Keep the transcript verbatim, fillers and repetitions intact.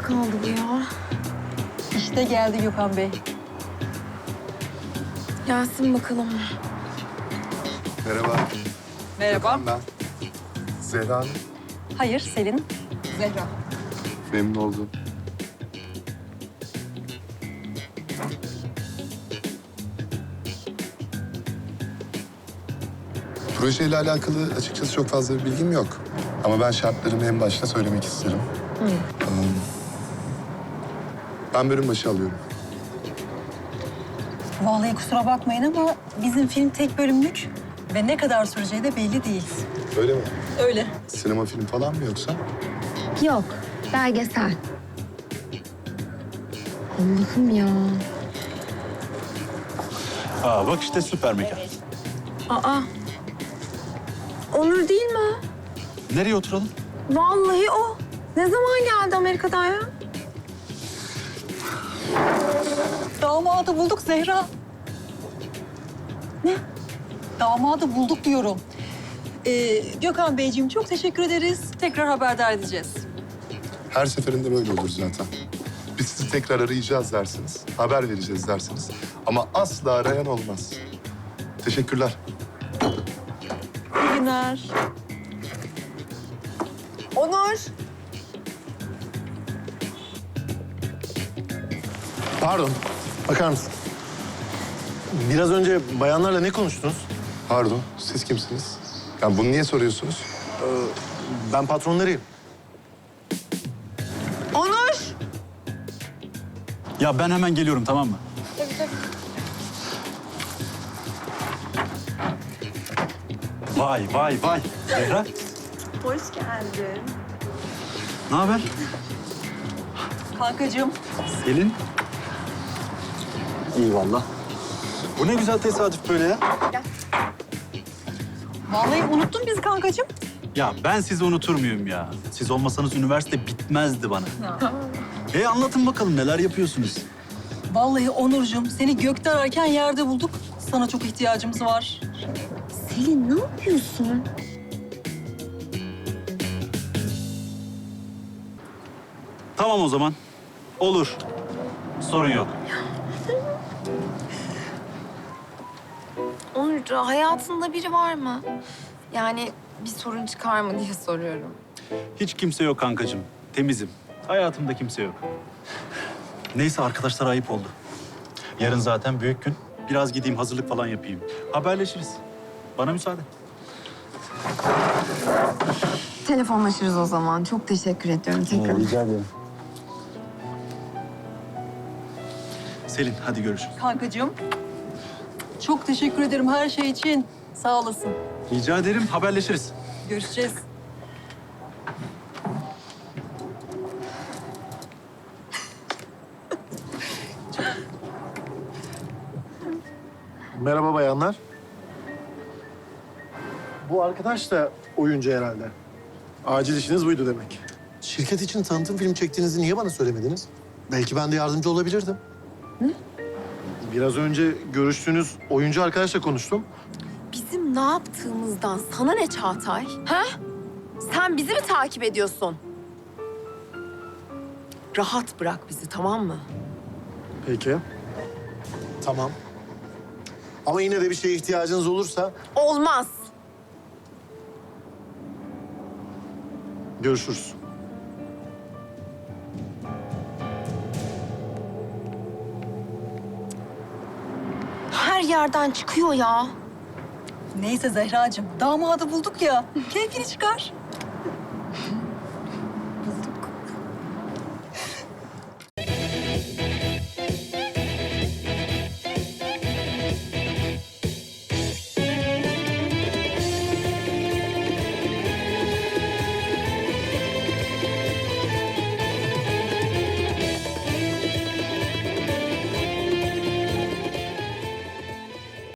kaldı bu ya? İşte geldi Gökhan Bey. Gelsin bakalım. Merhaba. Merhaba. Ben Zehra Hanım. Hayır, Selin. Zehra. Memnun oldum. Projeyle alakalı açıkçası çok fazla bir bilgim yok. Ama ben şartlarımı en başta söylemek isterim. Hı. Um, ben bölüm başı alıyorum. Vallahi kusura bakmayın ama bizim film tek bölümlük ve ne kadar süreceği de belli değil. Öyle mi? Öyle. Sinema film falan mı yoksa? Yok, belgesel. Allah'ım ya. Aa bak işte süper mekan. Aa. Onur değil mi o? Nereye oturalım? Vallahi o. Ne zaman geldi Amerika'dan ya? Damadı bulduk Zehra. Ne? Damadı bulduk diyorum. Ee, Gökhan Beyciğim çok teşekkür ederiz. Tekrar haberdar edeceğiz. Her seferinde böyle olur zaten. Biz sizi tekrar arayacağız dersiniz, haber vereceğiz dersiniz. Ama asla arayan olmaz. Teşekkürler. İyi günler. Onur. Pardon, bakar mısın? Biraz önce bayanlarla ne konuştunuz? Pardon, siz kimsiniz? Yani bunu niye soruyorsunuz? Ben patronlarıyım. Onur. Ya ben hemen geliyorum, tamam mı? Vay vay vay. Zehra, Hoş geldin. ne haber? Kankacığım. Selin. İyi vallahi. Bu ne güzel tesadüf böyle ya. Vallahi unuttun bizi kankacığım. Ya ben sizi unutur muyum ya? Siz olmasanız üniversite bitmezdi bana. E anlatın bakalım neler yapıyorsunuz? Vallahi Onurcuğum seni gökte ararken yerde bulduk. Sana çok ihtiyacımız var. Selin ne yapıyorsun? Tamam o zaman. Olur. Sorun yok. Onur hayatında biri var mı? Yani bir sorun çıkar mı diye soruyorum. Hiç kimse yok kankacığım. Temizim. Hayatımda kimse yok. Neyse arkadaşlar ayıp oldu. Yarın zaten büyük gün. Biraz gideyim hazırlık falan yapayım. Haberleşiriz. Bana müsaade. Telefonlaşırız o zaman. Çok teşekkür ediyorum tekrar. Rica ederim. Selin hadi görüşürüz. Kankacığım. Çok teşekkür ederim her şey için. Sağ olasın. Rica ederim. Haberleşiriz. Görüşeceğiz. Merhaba bayanlar. Bu arkadaş da oyuncu herhalde. Acil işiniz buydu demek. Şirket için tanıtım film çektiğinizi niye bana söylemediniz? Belki ben de yardımcı olabilirdim. Ne? Biraz önce görüştüğünüz oyuncu arkadaşla konuştum. Bizim ne yaptığımızdan sana ne Çağatay? Ha? Sen bizi mi takip ediyorsun? Rahat bırak bizi, tamam mı? Peki. Tamam. Ama yine de bir şeye ihtiyacınız olursa Olmaz. görüşürüz. Her yerden çıkıyor ya. Neyse Zehracığım, damadı bulduk ya. Keyfini çıkar.